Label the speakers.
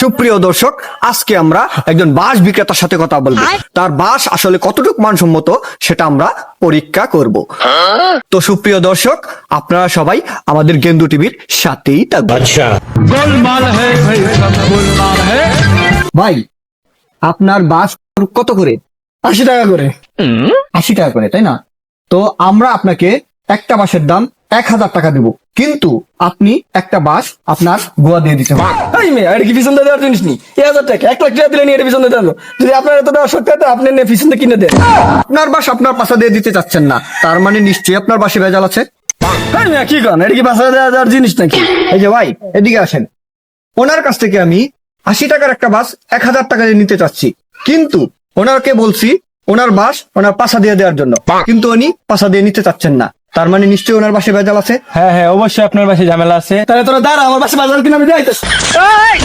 Speaker 1: সুপ্রিয় দর্শক, আজকে আমরা একজন বাঁশ বিক্রেতার সাথে কথা বলবো। তার বাঁশ আসলে কতটুকু মানসম্মত সেটা আমরা পরীক্ষা করব। তো সুপ্রিয় দর্শক, আপনারা সবাই আমাদের গেন্দু টিভির সাথেই থাকবেন। ভাই, আপনার বাঁশ কত করে?
Speaker 2: 80 টাকা করে।
Speaker 1: 80 টাকা করে, তাই না? তো আমরা আপনাকে একটা বাঁশের দাম 1000 টাকা দেব, কিন্তু আপনি একটা বাঁশ আপনার গোয়া দিয়ে দিতে হবে।
Speaker 2: এই মেয়ে, এটা কি পিছন দিয়ে দেওয়ার জিনিস নি? 1000 টাকা, 1 লাখ টাকা দিলে নিয়ে এটা পিছন দিয়ে দেবো। যদি আপনার এত দেওয়ার সত্যি হয়, আপনি নিয়ে পিছন দিয়ে কিনে দেন।
Speaker 1: আপনার বাঁশ আপনার পাশা দিয়ে দিতে চাচ্ছেন না, তার মানে নিশ্চয়ই আপনার বাঁশে ভেজাল আছে।
Speaker 2: এই মেয়ে, কি করেন? এটা কি বাসা দেওয়ার জিনিস নাকি?
Speaker 1: এই যে ভাই, এদিকে আসেন। ওনার কাছ থেকে আমি 80 টাকার একটা বাস 1000 টাকা দিয়ে নিতে চাচ্ছি, কিন্তু ওনাকে বলছি ওনার বাস ওনার পাশা দিয়ে দেওয়ার জন্য, কিন্তু উনি পাশা দিয়ে নিতে চাচ্ছেন না, তার মানে নিশ্চয়ই ওনার বাসে ভেজাল আছে।
Speaker 3: হ্যাঁ হ্যাঁ, অবশ্যই আপনার বাসায় ঝামেলা আছে।
Speaker 2: তাহলে তোরা দাঁড়া, আমার বাসা বাজার কিনে আমি যাইতেছি।